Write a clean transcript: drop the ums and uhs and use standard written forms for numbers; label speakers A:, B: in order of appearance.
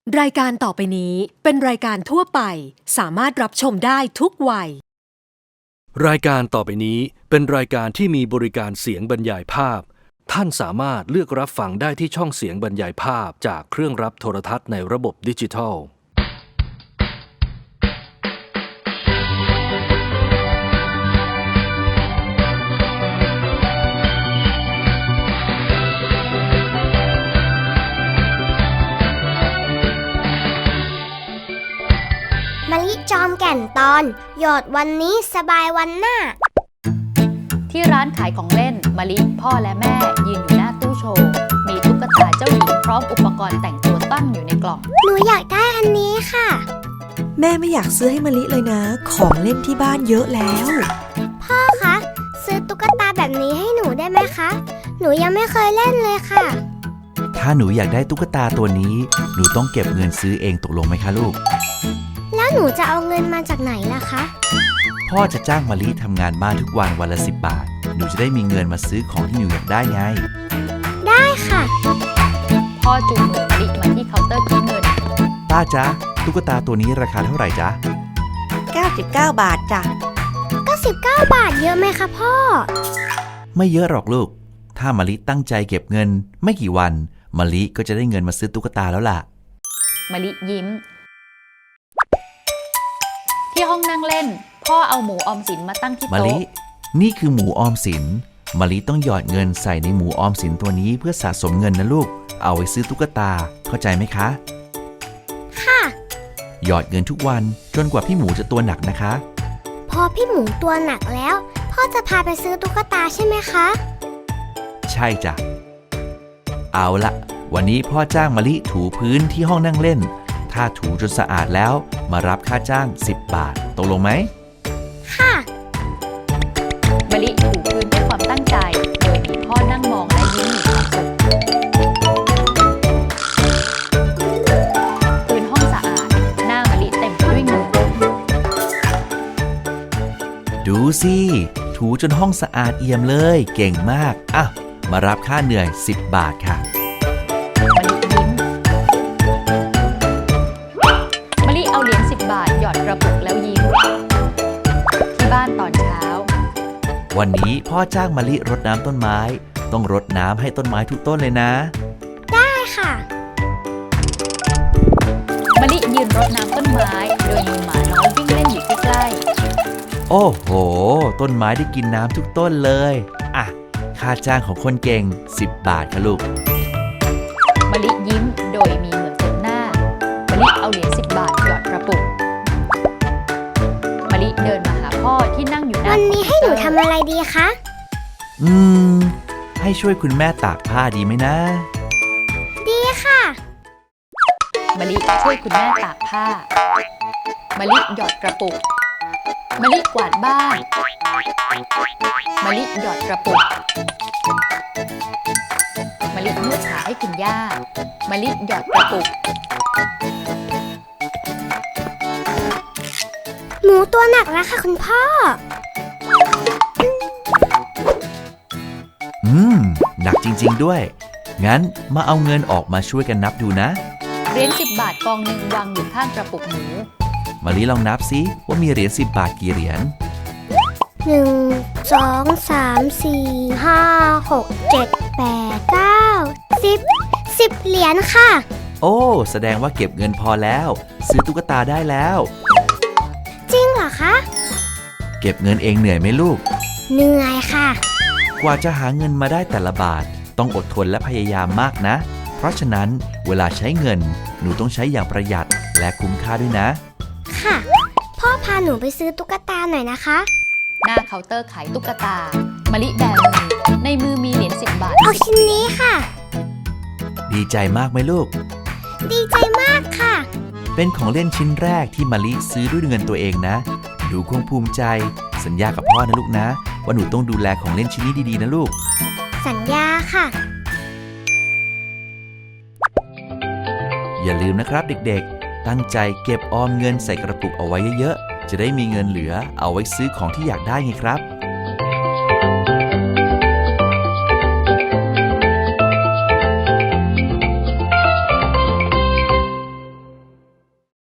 A: รายการต่อไปนี้เป็นรายการทั่วไปสามารถรับชมได้ทุกวัย
B: รายการต่อไปนี้เป็นรายการที่มีบริการเสียงบรรยายภาพท่านสามารถเลือกรับฟังได้ที่ช่องเสียงบรรยายภาพจากเครื่องรับโทรทัศน์ในระบบดิจิทัล
C: มะลิจอมแก่นตอนหยอดวันนี้สบายวันหน้า
D: ที่ร้านขายของเล่นมะลิพ่อและแม่ยืนอยู่หน้าตู้โชว์มีตุ๊กตาเจ้าหญิงพร้อมอุปกรณ์แต่งตัวตั้งอยู่ในกล่อง
C: หนูอยากได้อันนี้ค่ะ
E: แม่ไม่อยากซื้อให้มะลิเลยนะของเล่นที่บ้านเยอะแล้ว
C: พ่อคะซื้อตุ๊กตาแบบนี้ให้หนูได้ไหมคะหนูยังไม่เคยเล่นเลยค่ะ
F: ถ้าหนูอยากได้ตุ๊กตาตัวนี้หนูต้องเก็บเงินซื้อเองตกลงไหมคะลูก
C: แล้วหนูจะเอาเงินมาจากไหนล่ะคะ
F: พ่อจะจ้างมะลิทำงานบ้านทุกวันวันละ10 บาทหนูจะได้มีเงินมาซื้อของที่หนูอยากได้ไง
C: ได้ค่ะ
D: พ่อจูงมือมะลิมาที่เคาน์เตอร์คิดเงิน
F: ป้าจ๊ะตุ๊กตาตัวนี้ราคาเท่าไหร่จ๊ะ
E: 99 บาทจ้ะ
C: 99 บาทเยอะไหมคะพ่อ
F: ไม่เยอะหรอกลูกถ้ามะลิตั้งใจเก็บเงินไม่กี่วันมะลิก็จะได้เงินมาซื้อตุ๊กตาแล้วล่ะ
D: มะลิยิ้มที่ห้องนั่งเล่นพ่อเอาหมูออมสินมาตั้งที่โต๊ะ
F: มะลินี่คือหมูออมสินมะลิต้องหยอดเงินใส่ในหมูออมสินตัวนี้เพื่อสะสมเงินนะลูกเอาไว้ซื้อตุ๊กตาเข้าใจไหมคะ
C: ค่ะ
F: หยอดเงินทุกวันจนกว่าพี่หมูจะตัวหนักนะคะ
C: พอพี่หมูตัวหนักแล้วพ่อจะพาไปซื้อตุ๊กตาใช่ไหมคะ
F: ใช่จ้ะเอาละวันนี้พ่อจ้างมะลิถูพื้นที่ห้องนั่งเล่นถ้าถูจนสะอาดแล้วมารับค่าจ้าง10 บาทตกลงไหม
C: ค่ะ
D: มะลิถูพื้นด้วยความตั้งใจโดยมีพ่อนั่งมองและยิ้มมีความสุขพื้นห้องสะอาดหน้ามะลิเต็มไปด้วยเงิน
F: ดูสิถูจนห้องสะอาดเอี่ยมเลยเก่งมากอ่ะมารับค่าเหนื่อย10 บาทค่ะ
D: มะลิเอาเหรียญ10 บาทหยอดกระปุกแล้วยิ้มที่บ้านตอนเช้า
F: วันนี้พ่อจ้างมะลิรดน้ำต้นไม้ต้องรดน้ำให้ต้นไม้ทุกต้นเลยนะ
C: ได้ค่ะ
D: มะลิยืนรดน้ำต้นไม้โดยมีหมาน้อยวิ่งเล่นอยู่ใกล้
F: ๆโอ้โหต้นไม้ได้กินน้ำทุกต้นเลยอ่ะค่าจ้างของคนเก่ง10 บาทค่ะลูก
D: มะลิยิ้มโดยมีเหงื่อเต็มหน้ามะลิเอาเหรียญ10 บาทหยอดกระปุกมะลิเดินมาหาพ่อที่นั่งอยู่หน้า
C: วันนี้ให้หนูทำอะไรดีคะ
F: ให้ช่วยคุณแม่ตากผ้าดีไหมนะ
C: ดีค่ะ
D: มะลิช่วยคุณแม่ตากผ้ามะลิหยอดกระปุกมะลิกวาดบ้านมะลิหยอดกระปุกมะลินวดขาให้คุณย่ามะลิหยอดกระปุก
C: หมูตัวหนักแล้วค่ะคุณพ่อ
F: หนักจริงๆด้วยงั้นมาเอาเงินออกมาช่วยกันนับดูนะ
D: เหรียญ10 บาทกองหนึ่งวางอยู่ข้างกระปุกหมู
F: มะลิลองนับซิว่ามีเหรียญ10 บาทกี่เหรียญ
C: 1 2 3 4 5 6 7 8 9 10เหรียญค่ะ
F: โอ้แสดงว่าเก็บเงินพอแล้วซื้อตุ๊กตาได้แล้ว
C: จริงเหรอคะ
F: เก็บเงินเองเหนื่อยไหมลูก
C: เหนื่อยค่ะ
F: กว่าจะหาเงินมาได้แต่ละบาทต้องอดทนและพยายามมากนะเพราะฉะนั้นเวลาใช้เงินหนูต้องใช้อย่างประหยัดและคุ้มค่าด้วยนะ
C: ค่ะพ่อพาหนูไปซื้อตุ๊กตาหน่อยนะคะ
D: หน้าเคาน์เตอร์ขายตุ๊กตามะลิแบมือในมือมีเหรียญ10 บาท
C: เอาชิ้นนี้ค่ะ
F: ดีใจมากไหมลูก
C: ดีใจมากค่ะ
F: เป็นของเล่นชิ้นแรกที่มะลิซื้อด้วยเงินตัวเองนะหนูคงภูมิใจสัญญากับพ่อนะลูกนะว่าหนูต้องดูแลของเล่นชิ้นนี้ดีๆนะลูก
C: สัญญาค่ะ
F: อย่าลืมนะครับเด็กๆตั้งใจเก็บออมเงินใส่กระปุกเอาไว้เยอะๆจะได้มีเงินเหลือเอาไว้ซื้อของที่อยากได้ไงครับ